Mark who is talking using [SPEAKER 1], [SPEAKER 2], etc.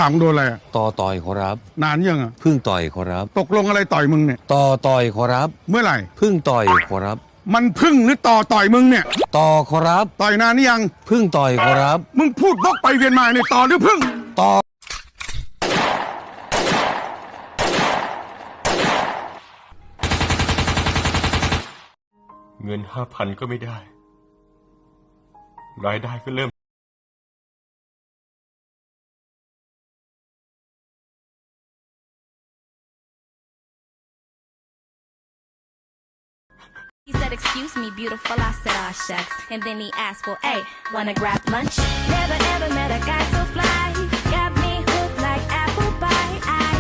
[SPEAKER 1] ผ่ามึงโดนอะไรอะ
[SPEAKER 2] ต่อยขอรับ
[SPEAKER 1] นานยังอะ
[SPEAKER 2] เพิ่งต่อยขอรับ
[SPEAKER 1] ตกลงอะไรต่อยมึงเนี่ย
[SPEAKER 2] ต่อยขอรับ
[SPEAKER 1] เมื่อไหร่
[SPEAKER 2] เพิ่งต่อยขอรับ
[SPEAKER 1] มันพึ่งหรือต่อยมึงเนี่ย
[SPEAKER 2] ขอรับ
[SPEAKER 1] ต่อยนานนี่ยัง
[SPEAKER 2] เพิ่งต่อยขอรับ
[SPEAKER 1] มึงพูดวกไปเวียนมาเนี่ยต่อหรือพึ่ง
[SPEAKER 2] ต่อ
[SPEAKER 3] เงิน5,000ก็ไม่ได้รายได้ก็เริ่ม
[SPEAKER 4] He said, excuse me, beautiful, I said, aw, shucks. And then he asked, well, hey, wanna grab lunch? Never ever met a guy so fly. Got me hooked like apple pie.